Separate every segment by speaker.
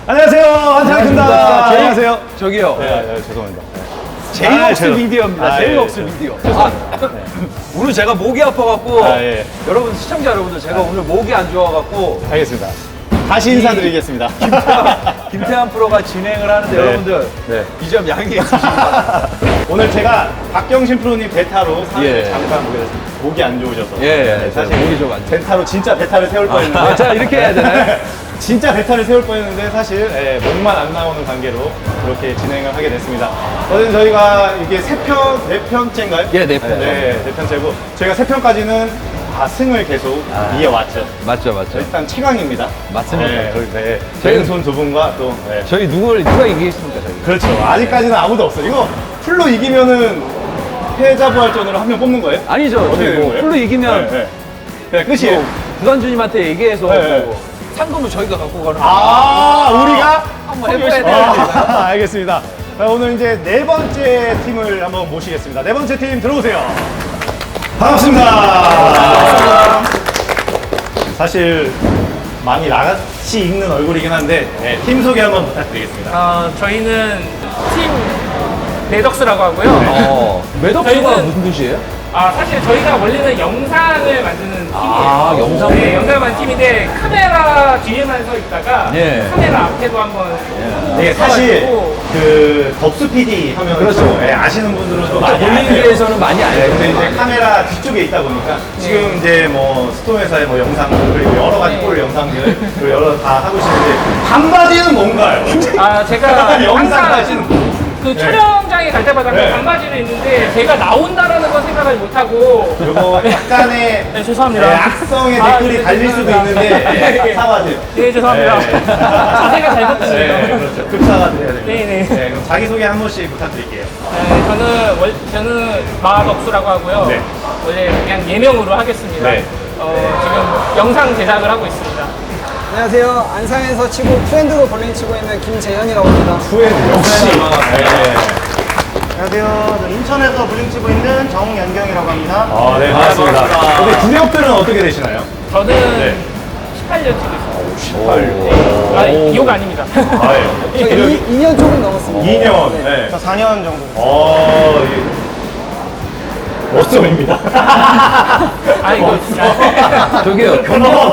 Speaker 1: 안녕하세요, 한창입니다. 안녕하세요.
Speaker 2: 저기요.
Speaker 1: 네, 죄송합니다.
Speaker 2: 제이홉스 미디어입니다. 제이홉스
Speaker 1: 예.
Speaker 2: 미디어. 오늘 제가 목이 아파갖고
Speaker 1: 예.
Speaker 2: 여러분 시청자 여러분들 제가 오늘 목이 안 좋아갖고
Speaker 1: 알겠습니다. 다시 인사드리겠습니다.
Speaker 2: 김태환 프로가 진행을 하는데
Speaker 1: 네.
Speaker 2: 여러분들
Speaker 1: 네.
Speaker 2: 이 점 양해해 주시기 바랍니다.
Speaker 1: 오늘 제가 박경신 프로님 베타로 사회를
Speaker 2: 예.
Speaker 1: 잠깐 보게 됐습니다. 목이 안 좋으셔서.
Speaker 2: 예,
Speaker 1: 사실
Speaker 2: 목이 좀 안 좋아요.
Speaker 1: 베타로 진짜 베타를 세울 뻔했는데.
Speaker 2: 자 이렇게 해야 되나요?
Speaker 1: 진짜 베타를 세울 뻔했는데 사실 목만 안 나오는 관계로 그렇게 진행을 하게 됐습니다. 어쨌든 저희가 이게 네 편째인가요?
Speaker 2: 예, 네 편.
Speaker 1: 네 편째고 저희가 3편까지는 다 승을 계속 이어왔죠.
Speaker 2: 맞죠.
Speaker 1: 일단 최강입니다.
Speaker 2: 맞습니다.
Speaker 1: 네.
Speaker 2: 저희-
Speaker 1: 왼손 두 분과 또
Speaker 2: 저희 누가 이기겠습니까 저희?
Speaker 1: 그렇죠. 아직까지는 아무도 없어요. 이거 풀로 이기면은 패자부활전으로 한 명 뽑는 거예요?
Speaker 2: 아니죠.
Speaker 1: 어떻게
Speaker 2: 저희
Speaker 1: 되는
Speaker 2: 뭐
Speaker 1: 거예요?
Speaker 2: 풀로 이기면
Speaker 1: 네. 그냥 끝이에요.
Speaker 2: 뭐 구단주님한테 얘기해서
Speaker 1: 네.
Speaker 2: 뭐 상금을 저희가 갖고 가는
Speaker 1: 우리가
Speaker 2: 한번 해봐야 되는데.
Speaker 1: 알겠습니다. 자, 오늘 이제 네 번째 팀을 한번 모시겠습니다. 네 번째 팀 들어오세요. 반갑습니다. 사실 많이 나같이 읽는 얼굴이긴 한데 팀 소개 한번 부탁드리겠습니다.
Speaker 3: 저희는 팀 매덕스라고 하고요.
Speaker 2: 매덕수가
Speaker 3: 저희는-
Speaker 2: 무슨 뜻이에요?
Speaker 3: 사실 저희가 원래는 영상을 만드는 팀이에요.
Speaker 2: 아, 영상?
Speaker 3: 네, 영상을 만드는 팀인데 카메라 뒤에만 서 있다가
Speaker 2: 예.
Speaker 3: 카메라 앞에도 한번
Speaker 1: 네, 사실
Speaker 3: 서가지고
Speaker 1: 그 덕수 PD 하면
Speaker 2: 그렇죠.
Speaker 1: 아시는 분들은 또 많이 알아요.
Speaker 2: 볼링계에서는 많이 알죠.
Speaker 1: 근데 이제 카메라 뒤쪽에 있다 보니까 지금 이제 뭐 스톰에서의 뭐 영상들 그리고 여러 가지 골 영상들 그리고 여러 다 하고 있는데 반바지는 뭔가요?
Speaker 3: 제가
Speaker 1: 영상까지는
Speaker 3: 항상 그 촬영장에 갈 때마다
Speaker 1: 네.
Speaker 3: 그 반바지를 입는데 제가 나온다라는 건 생각을 못하고
Speaker 1: 그리고 약간의
Speaker 3: 네, 죄송합니다.
Speaker 1: 악성의
Speaker 3: 아,
Speaker 1: 댓글이
Speaker 3: 네,
Speaker 1: 달릴 수도
Speaker 3: 죄송합니다.
Speaker 1: 있는데 사과드려요.
Speaker 3: 네, 죄송합니다.
Speaker 1: 네.
Speaker 3: 자세가 잘못됐네요.
Speaker 1: 네, 그렇죠. 급사과드려야 됩니다.
Speaker 3: 네네.
Speaker 1: 네, 그럼 자기소개 한 번씩 부탁드릴게요.
Speaker 3: 저는 마덕수라고 하고요.
Speaker 1: 네.
Speaker 3: 원래 그냥 예명으로 하겠습니다.
Speaker 1: 네.
Speaker 3: 지금 영상 제작을 하고 있습니다.
Speaker 4: 안녕하세요. 안상에서 치고 트렌드로 볼링 치고 있는 김재현이라고 합니다.
Speaker 1: 후회는 역시. 네.
Speaker 5: 안녕하세요. 저 인천에서 볼링 치고 있는 정연경이라고 합니다.
Speaker 1: 네, 반갑습니다.
Speaker 2: 반갑습니다.
Speaker 1: 근데 구력들은 어떻게 되시나요?
Speaker 3: 저는
Speaker 1: 네.
Speaker 3: 18년 치고 있어요. 이호가 아닙니다.
Speaker 4: 저 2년 조금 넘었습니다.
Speaker 1: 2년.
Speaker 4: 네.
Speaker 1: 네.
Speaker 5: 저 4년 정도.
Speaker 1: 멋점입니다.
Speaker 3: 이거 진짜.
Speaker 2: 저기요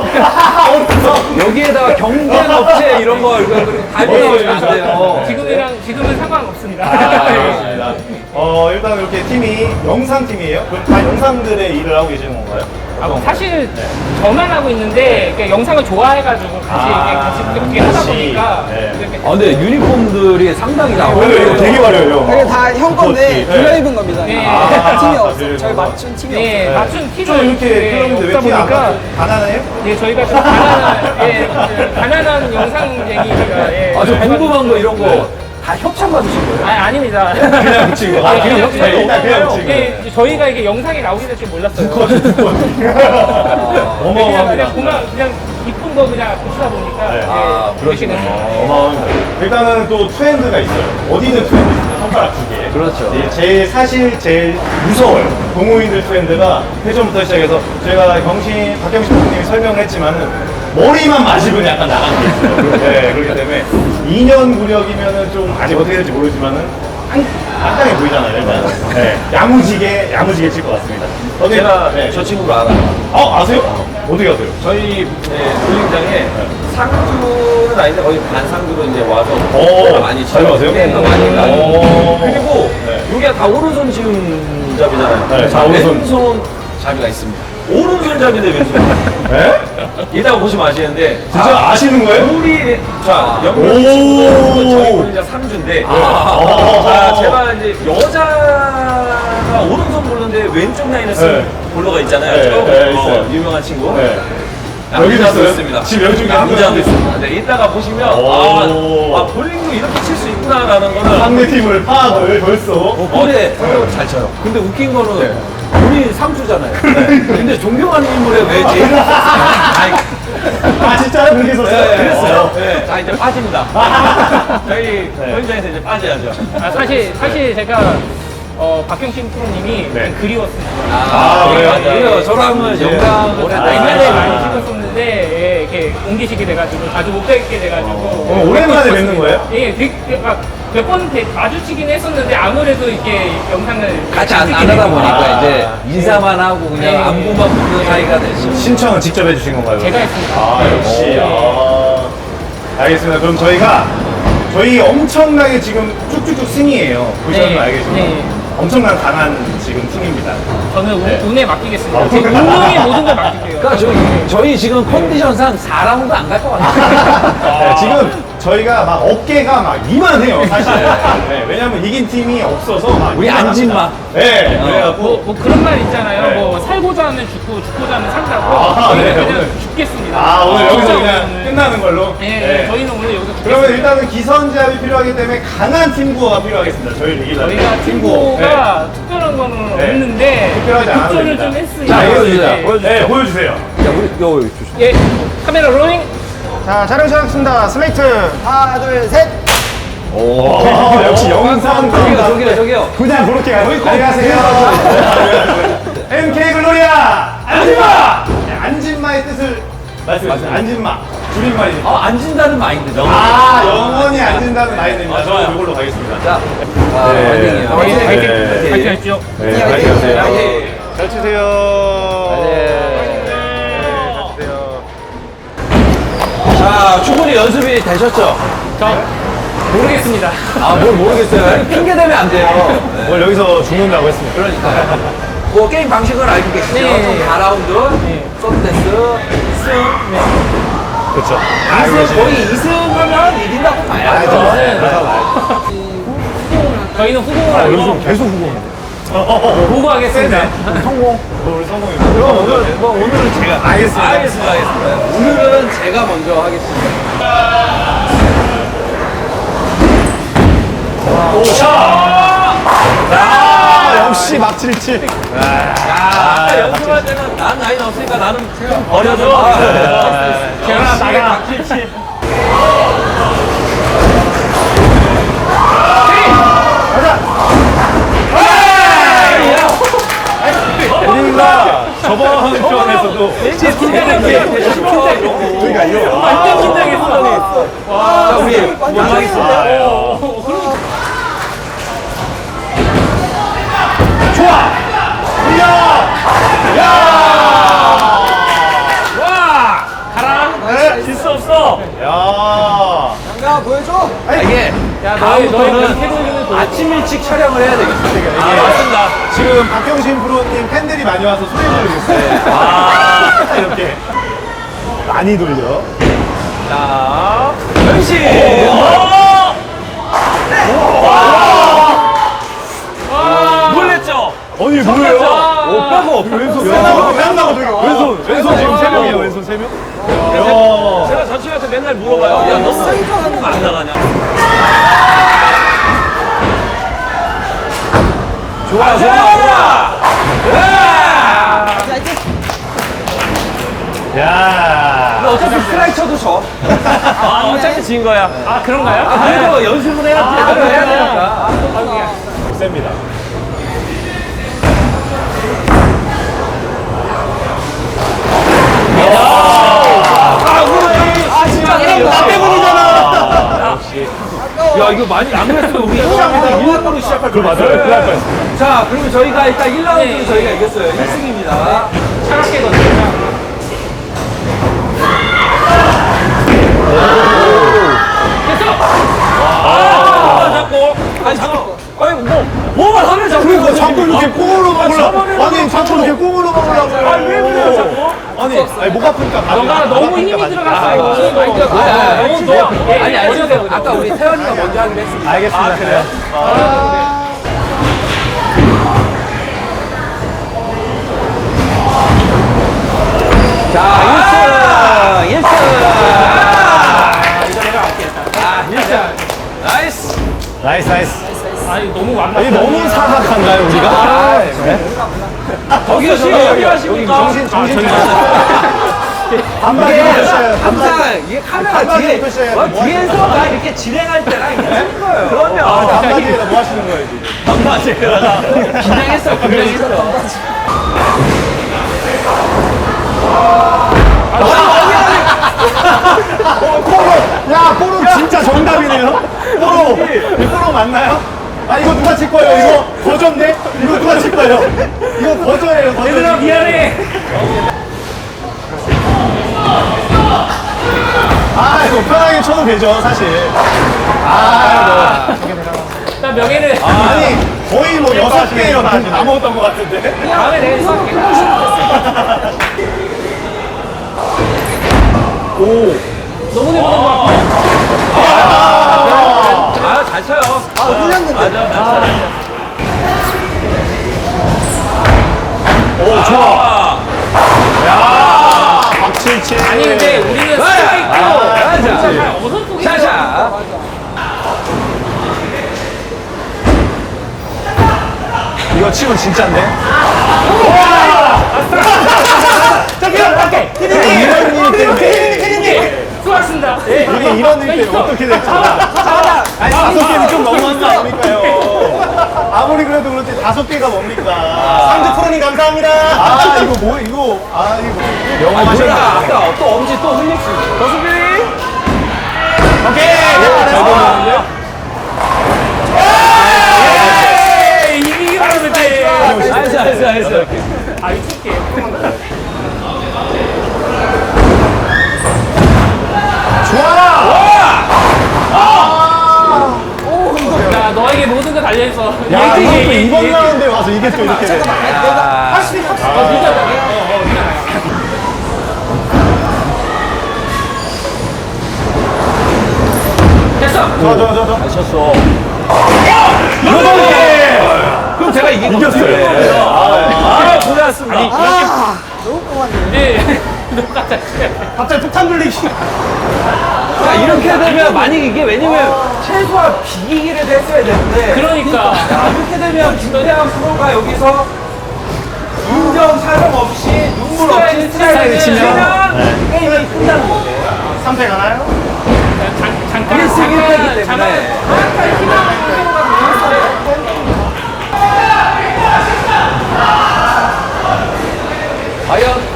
Speaker 2: 여기에다가 경쟁 업체 이런 거 이거 다 넣어주면 안 돼요.
Speaker 3: 지금은 상관없습니다.
Speaker 1: 그렇습니다. 일단 이렇게 팀이 영상팀이에요? 그럼 다 영상들의 일을 하고 계시는 건가요?
Speaker 3: 사실 저만 하고 있는데 그러니까 영상을 좋아해가지고 같이 그렇게 하다
Speaker 1: 같이.
Speaker 3: 보니까
Speaker 1: 네.
Speaker 3: 이렇게
Speaker 2: 근데 유니폼들이 상당히 나와요.
Speaker 1: 이거 되게 화려해요.
Speaker 4: 이게 다 형 건데
Speaker 1: 네.
Speaker 4: 빌려 입은 겁니다.
Speaker 3: 네.
Speaker 4: 팀이
Speaker 1: 아,
Speaker 4: 없어요.
Speaker 1: 빌려
Speaker 4: 저희
Speaker 1: 입은
Speaker 4: 맞춘 팀이
Speaker 3: 네,
Speaker 4: 없어요.
Speaker 3: 맞춘 티를
Speaker 1: 좀 이렇게 그런데 왜
Speaker 3: 없다
Speaker 1: 티 안
Speaker 3: 보니까
Speaker 1: 맞죠? 가난해요?
Speaker 3: 예, 저희가 좀 가난한 영상쟁이가
Speaker 2: 저 궁금한 거 이런 거 다 협찬 받으신 거예요?
Speaker 3: 아닙니다.
Speaker 1: 그냥 붙인 거.
Speaker 3: 그냥
Speaker 1: 그냥
Speaker 3: 협찬이
Speaker 1: 일단 그냥 붙인 거.
Speaker 3: 이게 저희가 이게 영상에 나오게 될 줄 몰랐어요.
Speaker 1: 어마어마합니다.
Speaker 3: 그냥 이쁜 거 그냥 붙이다 보니까
Speaker 1: 네.
Speaker 3: 이렇게 됐어요.
Speaker 1: 어마어마합니다. 일단은 또 트렌드가 있어요. 어디는 트렌드 있어요. 손가락 두 개.
Speaker 2: 그렇죠.
Speaker 1: 사실 제일 무서워요. 동호인들 트렌드가 회전부터 시작해서 제가 박경신 선생님이 설명을 했지만은 머리만 맞으면 약간 나가는 게 있어요. 네, 그렇기 때문에 2년 구력이면은 좀 아직 어떻게 될지 모르지만은 깜깜해 보이잖아요, 일단. 네, 야무지게 칠 것 같습니다.
Speaker 2: 제가
Speaker 1: 네.
Speaker 2: 저 친구를 알아요.
Speaker 1: 아세요? 어디 가세요?
Speaker 2: 저희 볼링장에 상주는 아닌데 거의 반상주로 이제 와서
Speaker 1: 오,
Speaker 2: 많이
Speaker 1: 잘 가세요?
Speaker 2: 네, 많이 가요.
Speaker 1: 오.
Speaker 2: 그리고
Speaker 1: 네.
Speaker 2: 여기가 다 오른손 지음잡이잖아요.
Speaker 1: 네, 다 오른손.
Speaker 2: 왼손 잡이가 있습니다. 오른손 잡인데 왼손.
Speaker 1: 네?
Speaker 2: 이따가 보시면 아시는데
Speaker 1: 진짜 아시는 거예요?
Speaker 2: 우리 자
Speaker 1: 오.
Speaker 2: 영국 친구들 저희 볼링장 3주인데 제가 이제 여자가 오른손 볼러인데 왼쪽 라인을 쓴
Speaker 1: 네.
Speaker 2: 볼러가 있잖아요.
Speaker 1: 네,
Speaker 2: 저
Speaker 1: 네, 있어요.
Speaker 2: 유명한 친구.
Speaker 1: 네.
Speaker 2: 남자도
Speaker 1: 있어요?
Speaker 2: 있습니다.
Speaker 1: 지금 여기 중에 한
Speaker 2: 남자도
Speaker 1: 명도
Speaker 2: 있습니다. 네, 이따가 보시면
Speaker 1: 오.
Speaker 2: 볼링도 이렇게 칠 수 있구나라는 거는
Speaker 1: 상대팀을 파악을 벌써.
Speaker 2: 근데 잘 쳐요. 근데 웃긴 거는 우리 상주잖아요. 근데 존경하는 인물에 왜 제일
Speaker 1: 진짜요? 그렇게 썼어요?
Speaker 2: 네, 그랬어요. 네. 자 이제 빠집니다. 저희 현장에서 이제 빠져야죠.
Speaker 3: 사실 제가 박경신 프로님이
Speaker 1: 네.
Speaker 3: 좀 그리웠습니다.
Speaker 1: 그래요?
Speaker 2: 맞아요. 저랑은 영광
Speaker 1: 네.
Speaker 2: 오래
Speaker 3: 옛날에 많이 찍었었는데 이렇게 옮기시게 돼가지고 자주 못 뵙게 돼가지고.
Speaker 1: 오랜만에 뵙는 거예요?
Speaker 3: 예, 몇번 마주치긴 했었는데 아무래도 이렇게 영상을
Speaker 2: 같이 안
Speaker 3: 찍게
Speaker 2: 하다
Speaker 3: 되고
Speaker 2: 보니까 이제 인사만 하고 그냥
Speaker 3: 네.
Speaker 2: 안부만 묻는 사이가 됐어.
Speaker 1: 신청은 직접 해주신 건가요?
Speaker 3: 제가 했습니다.
Speaker 1: 아, 역시. 알겠습니다. 그럼 저희 엄청나게 지금 쭉쭉쭉 승이에요. 보시면
Speaker 3: 네.
Speaker 1: 알겠지만.
Speaker 3: 네.
Speaker 1: 엄청난 강한 지금 팀입니다.
Speaker 3: 저는
Speaker 1: 네.
Speaker 3: 운에 맡기겠습니다.
Speaker 1: 아,
Speaker 3: 제 운명의 모든 걸 맡길게요.
Speaker 2: 그러니까 저희 지금 컨디션상 4라운드 안 갈 것 같아요.
Speaker 1: 네, 지금 저희가 막 어깨가 막 이만해요, 사실. 네, 왜냐면 이긴 팀이 없어서 막
Speaker 2: 우리
Speaker 1: 이만합니다.
Speaker 2: 안진마.
Speaker 1: 네, 그래갖고.
Speaker 3: 뭐 그런 말 있잖아요.
Speaker 1: 네.
Speaker 3: 뭐 살고자 하면 죽고 죽고자 하면 산다고.
Speaker 1: 아,
Speaker 3: 저희는
Speaker 1: 네,
Speaker 3: 그냥
Speaker 1: 오늘.
Speaker 3: 죽겠습니다.
Speaker 1: 아, 오늘 여기서
Speaker 3: 진짜
Speaker 1: 그냥
Speaker 3: 오늘.
Speaker 1: 끝나는 걸로?
Speaker 3: 네, 저희는 오늘 여기서 죽겠습니다.
Speaker 1: 그러면 일단은 기선제압이 필요하기 때문에 강한 팀구어가 필요하겠습니다. 저희를 이기려면.
Speaker 3: 저희가 팀고가 특별한 거는
Speaker 1: 네.
Speaker 3: 없는데
Speaker 1: 특별하지 않아도
Speaker 3: 급전을
Speaker 1: 됩니다.
Speaker 3: 좀 했으니까.
Speaker 1: 자,
Speaker 2: 보여주세요.
Speaker 1: 네, 보여주세요.
Speaker 2: 자, 우리 요 조심.
Speaker 3: 예, 카메라 롤링.
Speaker 5: 자, 촬영 시작하겠습니다. 슬레이트.
Speaker 4: 하나, 둘, 셋.
Speaker 1: 오, 역시 영상
Speaker 2: 저기요.
Speaker 1: 그냥 그렇게 가요. 안녕하세요. MK 글로리아 안진마. 네, 안진마의 뜻을 말씀해주세요. 안진마 줄임말입니다.
Speaker 2: 앉은다는 마인드죠.
Speaker 1: 아, 영원히 안진다는 마인드입니다. 저는 이걸로 가겠습니다.
Speaker 2: 자,
Speaker 1: 네.
Speaker 2: 화이팅이에요.
Speaker 3: 화이팅, 화이팅,
Speaker 1: 네.
Speaker 3: 화이팅 하십시오.
Speaker 1: 네, 화이팅 하세요.
Speaker 2: 화이팅.
Speaker 1: 잘 치세요.
Speaker 2: 자, 충분히 연습이 되셨죠?
Speaker 3: 저 모르겠습니다.
Speaker 2: 아, 뭘 모르겠어요. 핑계 대면 안 돼요.
Speaker 1: 오늘 여기서 죽는다고 했습니다.
Speaker 2: 그러니까. 뭐 게임 방식을 알고 계시죠?
Speaker 3: 네.
Speaker 2: 총 4라운드, 서브데스, 2승.
Speaker 1: 그렇죠.
Speaker 2: 2승, 거의 2승하면 이긴다고 봐야죠.
Speaker 3: 저희는 후공을 하고
Speaker 1: 계속 후공.
Speaker 3: 보고하겠습니다.
Speaker 1: 우리 성공입니다. 그럼 오늘은 제가 알겠습니다.
Speaker 2: 알겠습니다. 오늘은 제가 먼저 하겠습니다.
Speaker 1: 역시 막칠칠.
Speaker 2: 연습할 때는 난 나이 없으니까 나는 버려줘.
Speaker 3: 제가 나가.
Speaker 1: 우리가 저번 편에서도 그러니까 이거
Speaker 3: 완전 긴장했어.
Speaker 2: 자, 우리 연락했습니다.
Speaker 1: 좋아.
Speaker 3: 와, 가라. 질 수 없어.
Speaker 1: 야.
Speaker 4: 양가 보여줘.
Speaker 2: 이게
Speaker 3: 야,
Speaker 2: 다음부터는
Speaker 3: 태블릿은
Speaker 2: 아침 일찍 촬영을 해야 되겠다.
Speaker 3: 맞습니다.
Speaker 1: 지금 박경신 프로님 팬들이 많이 와서 소리 지르고 있어요. 아, 이렇게 많이 돌려.
Speaker 2: 자, 변신! 놀랬죠?
Speaker 1: 아니 뭐예요?
Speaker 2: 빼고!
Speaker 1: 왼손 지금 세 명이에요. 왼손 세 명. 야.
Speaker 2: 제가 전체한테 맨날 물어봐요. 야, 너 사이클 안 나가냐? 좋아, 좋아!
Speaker 1: 야.
Speaker 2: 어차피 스트라이크 쳐도 져. 어차피 진 거야.
Speaker 3: 아, 그런가요?
Speaker 2: 그래도 연습은 해야 제대로 해야 되니까.
Speaker 1: 셉니다.
Speaker 2: 야, 이거 많이 안 그랬으면 우리 1라운드 시작할 거 맞아요.
Speaker 1: 큰일 날 뻔했어요.
Speaker 2: 자, 그러면 저희가 일단 1라운드는 저희가 이겼어요. 1승입니다.
Speaker 3: 차갑게 던져요.
Speaker 2: 아니, 잠깐. 아니, 뭐만 하면 자꾸.
Speaker 1: 그러니까 자꾸 이렇게 꽁으로 먹으려고. 아니, 자꾸 이렇게 꽁으로 먹으려고.
Speaker 2: 아니, 왜 그래요, 자꾸?
Speaker 1: 아니, 목 아프니까
Speaker 3: 너가 너무 힘이 들어갔어.
Speaker 2: 아니, 아까 우리 태연이가 먼저 하기로 했습니다.
Speaker 1: 알겠습니다. 그래요?
Speaker 2: 자, 1승! 1승! 이거 내가 알겠다. 1승. 나이스!
Speaker 1: 나이스.
Speaker 3: 아니, 너무 완벽해.
Speaker 1: 아니, 너무 사악한가요, 우리가?
Speaker 2: 여기 하십니까?
Speaker 1: 정신
Speaker 2: 항상 이게 카메라 뒤에 뒤에서 나 이렇게 진행할 때랑 이게 틀린 거예요. 그럼요.
Speaker 1: 한마디에다 뭐 하시는 거예요, 지금?
Speaker 2: 긴장했어.
Speaker 1: 야, 뽀로 진짜 정답이네요. 뽀로 맞나요? 아, 이거 누가 칠 거예요? 이거 거저인데? 이거 누가 칠 거예요? 이거 거저예요, 거저.
Speaker 3: 얘들아 미안해.
Speaker 1: 아, 이거 편하게 쳐도 되죠, 사실.
Speaker 3: 나 명예는
Speaker 1: 아니, 거의 뭐 6개 남았던 것 같은데?
Speaker 3: 다음에 내가 쏠게. 너무 내보는 거 같아.
Speaker 2: 아, 잘 쳐요.
Speaker 4: 흘렸는데.
Speaker 2: 맞아.
Speaker 1: 오, 좋아. 야, 박칠칠.
Speaker 3: 아니 근데 우리는 스트라이크
Speaker 2: 맞아.
Speaker 3: 어선 속이
Speaker 2: 샤샤.
Speaker 1: 이거 치면 진짜인데?
Speaker 3: 저기요 밖에
Speaker 1: 이런 일 때문에.
Speaker 3: 수고하셨습니다.
Speaker 1: 이게 이런 일 때문에 어떻게 될지. 아니, 5개는 좀 너무한 거 아닙니까요? 아무리 그래도 그렇지 5개가 뭡니까? 상주 프로님 감사합니다. 아, 이거 뭐, 이거. 아, 이거. 영화
Speaker 2: 몰라. 아까 또 엄지 또 흘렸지.
Speaker 1: 오케이. 잘 보는데요?
Speaker 3: 이기기 바라는데.
Speaker 2: 알았어.
Speaker 3: 아 미칠게. 야 너에게 모든 거 달려있어.
Speaker 1: 야,
Speaker 3: 얘기,
Speaker 1: 이것도
Speaker 3: 얘기,
Speaker 1: 이번
Speaker 3: 얘기.
Speaker 1: 라운드에 와서 이게 또 이렇게 돼.
Speaker 3: 할수 있어. 됐어.
Speaker 1: 저.
Speaker 2: 잘 쳤어.
Speaker 1: 그럼 제가 이겼어요.
Speaker 2: 아, 고생하셨습니다.
Speaker 4: 너무 뻔한데.
Speaker 3: 네. 똑같아.
Speaker 1: 갑자기 폭탄 돌리기.
Speaker 2: 야, 이렇게 되면 만약 이게 왜냐면 최소한 비기기를 했어야 되는데
Speaker 3: 그러니까.
Speaker 2: 야, 이렇게 되면 김대한 프로가 여기서 인정 사정 없이 눈물 없이 스트라이크를 치면 게임이 끝나는 건데
Speaker 1: 3패 가나요?
Speaker 3: 잠깐.
Speaker 2: 일승 일패이기 때문에. 과연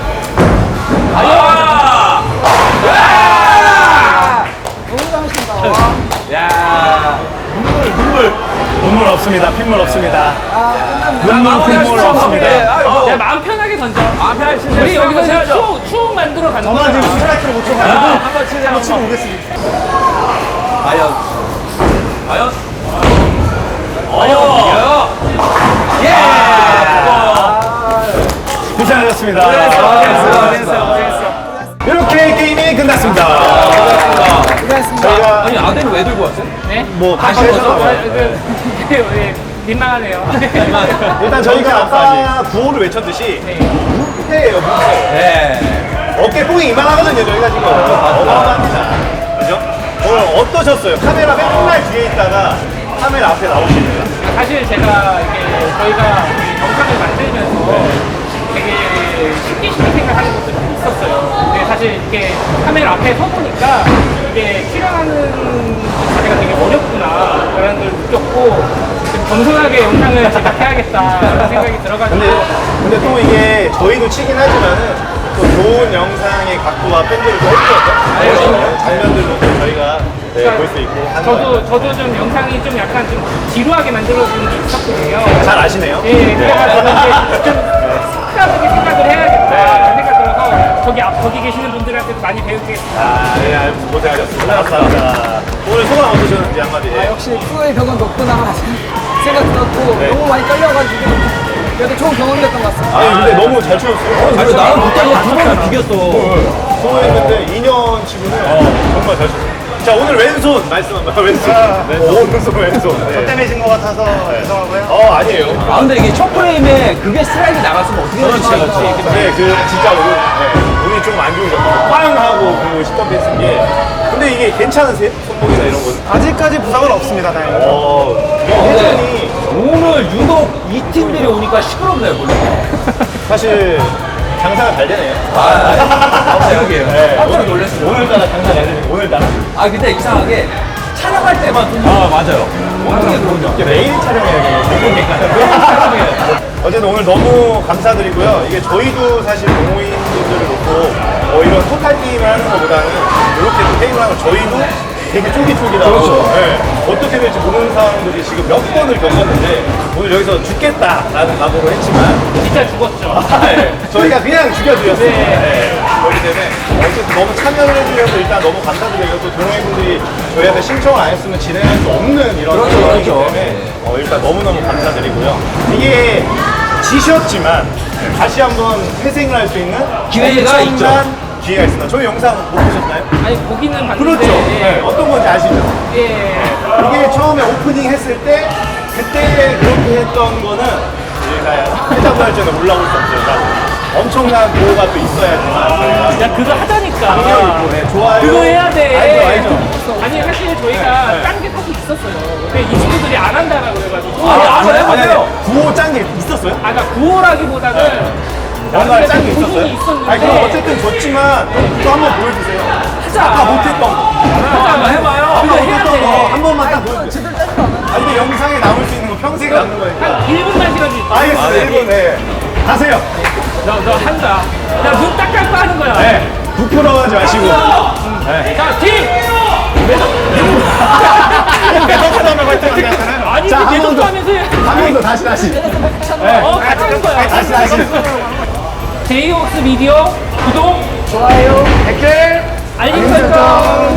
Speaker 4: 너무 잘하신다. 와.
Speaker 2: 야
Speaker 1: 눈물 없습니다. 핏물 없습니다. 눈물 없습니다.
Speaker 3: 야 마음 편하게 던져.
Speaker 2: 마음 편하게 치세요.
Speaker 3: 우리 여기서
Speaker 2: 한번 쳐야죠.
Speaker 3: 추억 만들어 가는
Speaker 1: 저만 지금
Speaker 3: 거야.
Speaker 1: 스트라이크를 못 쳐가지고
Speaker 2: 한번 치자.
Speaker 1: 한번 치고 오겠습니다.
Speaker 2: 과연
Speaker 1: 고생하셨습니다.
Speaker 3: 고생했어.
Speaker 1: 이렇게 게임이 끝났습니다.
Speaker 4: 수고하셨습니다.
Speaker 1: 저희가
Speaker 2: 아니 아대를 왜 들고 왔어요?
Speaker 3: 네?
Speaker 1: 뭐 다시
Speaker 2: 아,
Speaker 1: 해서
Speaker 3: 민망하네요.
Speaker 1: 일단 저희가 아까 구호를 외쳤듯이
Speaker 3: 네.
Speaker 1: 무패예요, 무패.
Speaker 2: 네.
Speaker 1: 어깨 뽕이 이만하거든요, 저희가 지금. 어마어마합니다. 그죠? 오늘 어떠셨어요? 카메라 맨날 뒤에 있다가 카메라 앞에 나오시네요.
Speaker 3: 사실 제가 이게 저희가 이 영상을 만들면서 되게 쉽게 생각하는 것들이 있었어요. 근데 사실 이렇게 카메라 앞에 서 보니까 이게 출연하는 자체가 되게 어렵구나라는 걸 느꼈고 좀 겸손하게 영상을 제작해야겠다라는 생각이 들어가지고
Speaker 1: 근데 또 이게 저희도 치긴 하지만은 또 좋은 영상의 각도와 팬들을 또 해주거든요. 장면들도 또 저희가 볼 수 있고 하는 거
Speaker 3: 저도 좀 영상이 좀 약간 좀 지루하게 만들어진 게 있었거든요.
Speaker 1: 잘 아시네요.
Speaker 3: 예, 그래가지고 이제 좀 스크라하게 생각을 해야겠다 생각 들어서 거기 계시는 분들한테 많이 배우겠습니다.
Speaker 1: 아, 네, 고생하셨습니다. 감사합니다. 오늘 소감 어떠셨는지 한마디.
Speaker 4: 역시 프로의 벽은 높구나 생각 들었고
Speaker 1: 네.
Speaker 4: 너무 많이 떨려가지고 그래도 좋은 경험이었던 것 같습니다.
Speaker 1: 아니, 근데 너무 잘 추셨어요.
Speaker 2: 그리고 나랑 붙잡고 두 번을 비겼어.
Speaker 1: 소했는데 2년 치고는 정말 잘 쳤어요. 자, 오늘 왼손 말씀 한번 왼손. 오른손 왼손. 저 때문에 진 것 같아서 죄송하고요. 아니에요.
Speaker 2: 아 근데 이게 첫 프레임에 그게 스트라이크 나갔으면 어떻게 될지
Speaker 1: 네, 진짜 운이 좀 안 좋으셨고 빵 하고 그 10번 뺐은 게. 근데 이게 괜찮으세요? 손목이나 이런 건?
Speaker 5: 아직까지 부상은 없습니다, 다행히.
Speaker 1: 회전이
Speaker 2: 오늘 유독 이 팀들이 오니까 시끄럽네요 원래.
Speaker 1: 사실 장사가 잘 되네요.
Speaker 2: 그러게요. 깜짝 놀랐어요.
Speaker 1: 오늘따라 장사 잘 되네요. 오늘따라.
Speaker 2: 아 근데 이상하게 촬영할 때만 좀
Speaker 1: 맞아요.
Speaker 2: 어떻게 그러냐.
Speaker 1: 이게 매일 촬영해야겠네요. 어쨌든 오늘 너무 감사드리고요. 이게 저희도 사실 동호인분들을 놓고 이런 토탈 게임을 하는 것보다는 이렇게 또 게임을 하는 저희도 되게 쫄깃쫄깃하고
Speaker 2: 그렇죠.
Speaker 1: 어떻게 될지 모르는 상황들이 지금 몇 번을 겪었는데 오늘 여기서 죽겠다라는 각오로 했지만
Speaker 3: 진짜 죽었죠.
Speaker 1: 저희가 그냥 죽여드렸어요.
Speaker 3: 네.
Speaker 1: 그렇기 때문에 어쨌든 너무 참여를 해주셔서 일단 너무 감사드리고 또 동호인분들이 저희한테 신청을 안 했으면 진행할 수 없는 이런
Speaker 2: 그렇죠,
Speaker 1: 상황이기
Speaker 2: 그렇죠.
Speaker 1: 때문에 일단 너무너무 감사드리고요. 이게 지셨지만 다시 한번 회생을 할 수 있는
Speaker 2: 기회가
Speaker 1: 엄청난
Speaker 2: 있죠.
Speaker 1: 기회가 있습니다. 저희 영상 못 보셨나요?
Speaker 3: 아니 보기는 봤는데
Speaker 1: 그렇죠. 네, 어떤 건지 아시죠?
Speaker 3: 예.
Speaker 1: 이게 처음에 오프닝 했을 때 그때 그렇게 했던 거는 저희가 해자부 할전에 올라올 수 없어요. 사실. 엄청난 보호가 또 있어야지만 저희가
Speaker 3: 야 그거 하자니까.
Speaker 1: 강력 있고 네, 좋아요.
Speaker 3: 그거 해야 돼.
Speaker 1: 알죠.
Speaker 3: 아니 사실 저희가
Speaker 1: 네.
Speaker 3: 딴 게 사실 있었어요. 근데 이 친구들이 안 한다라고 그래가지고.
Speaker 2: 한번 해보세요.
Speaker 1: 구호 짠 게 있었어요?
Speaker 3: 아, 그러니까 구호라기보다는
Speaker 1: 뭔가 짠 게
Speaker 3: 부분이
Speaker 1: 있었어요?
Speaker 3: 있었는데.
Speaker 1: 아니 그럼 어쨌든 졌지만 또 한번 보여주세요.
Speaker 3: 하자.
Speaker 1: 아까 못했던 거.
Speaker 3: 한번 해봐요.
Speaker 1: 아까
Speaker 3: 그거 해야
Speaker 1: 못했던 거 한
Speaker 3: 돼.
Speaker 1: 번만 딱 보여주세요. 아 이게 영상에 남을 수 있는 거 평생 남는 거니까.
Speaker 3: 한 1분만 시간 줄게.
Speaker 1: 알겠습니다. 1분 네. 가세요.
Speaker 3: 너 한다. 야, 눈 딱 감고 하는 거야.
Speaker 1: 네. 부끄러워하지 마시고.
Speaker 3: 자, 팀! 아니,
Speaker 1: 자, 한
Speaker 3: 계속
Speaker 1: 번 더.
Speaker 3: 하면서 해.
Speaker 1: 한 번 더 다시.
Speaker 3: 같이 하는 거야.
Speaker 1: 다시.
Speaker 3: 제이홉스 미디어 구독,
Speaker 4: 좋아요.
Speaker 1: 댓글
Speaker 3: 알림 설정.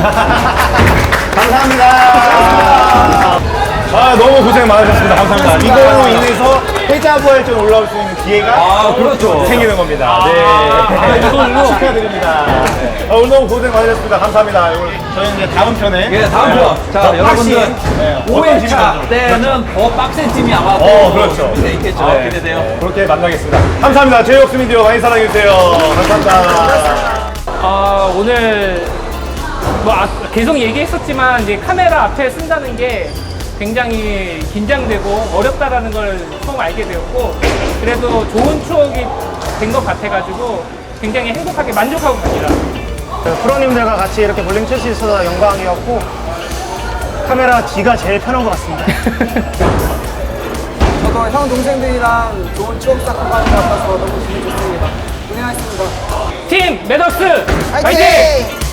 Speaker 1: 감사합니다. 아 너무 고생 많으셨습니다. 감사합니다. 이걸로 인해서 해자부활전 올라올 수 있는 기회가
Speaker 2: 그렇죠.
Speaker 1: 생기는 겁니다. 네.
Speaker 3: 이걸로?
Speaker 1: 축하드립니다. 네. 오늘 너무 고생 많으셨습니다. 감사합니다. 오늘 저희는 이제 다음 편에
Speaker 2: 예, 다음 편. 자, 여러분들
Speaker 1: 네,
Speaker 2: 5회차 때는 더 빡센 팀이 아마
Speaker 1: 그렇죠.
Speaker 2: 준비되어 있겠죠.
Speaker 1: 네.
Speaker 2: 기대돼요.
Speaker 1: 그렇게 만나겠습니다. 감사합니다. 제이홉스 미디어 많이 사랑해주세요. 감사합니다.
Speaker 3: 오늘 뭐 계속 얘기했었지만 이제 카메라 앞에 쓴다는 게 굉장히 긴장되고 어렵다라는 걸 처음 알게 되었고 그래도 좋은 추억이 된 것 같아가지고 굉장히 행복하게 만족하고 갑니다.
Speaker 5: 프로님들과 같이 이렇게 볼링 칠 수 있어서 영광이었고 카메라 뒤가 제일 편한 것 같습니다.
Speaker 4: 저도 형 동생들이랑 좋은 추억 쌓고 가는 것 같아서 너무 기분 좋습니다. 고생하셨습니다.
Speaker 3: 팀 매덕스
Speaker 4: 화이팅!
Speaker 3: 화이팅!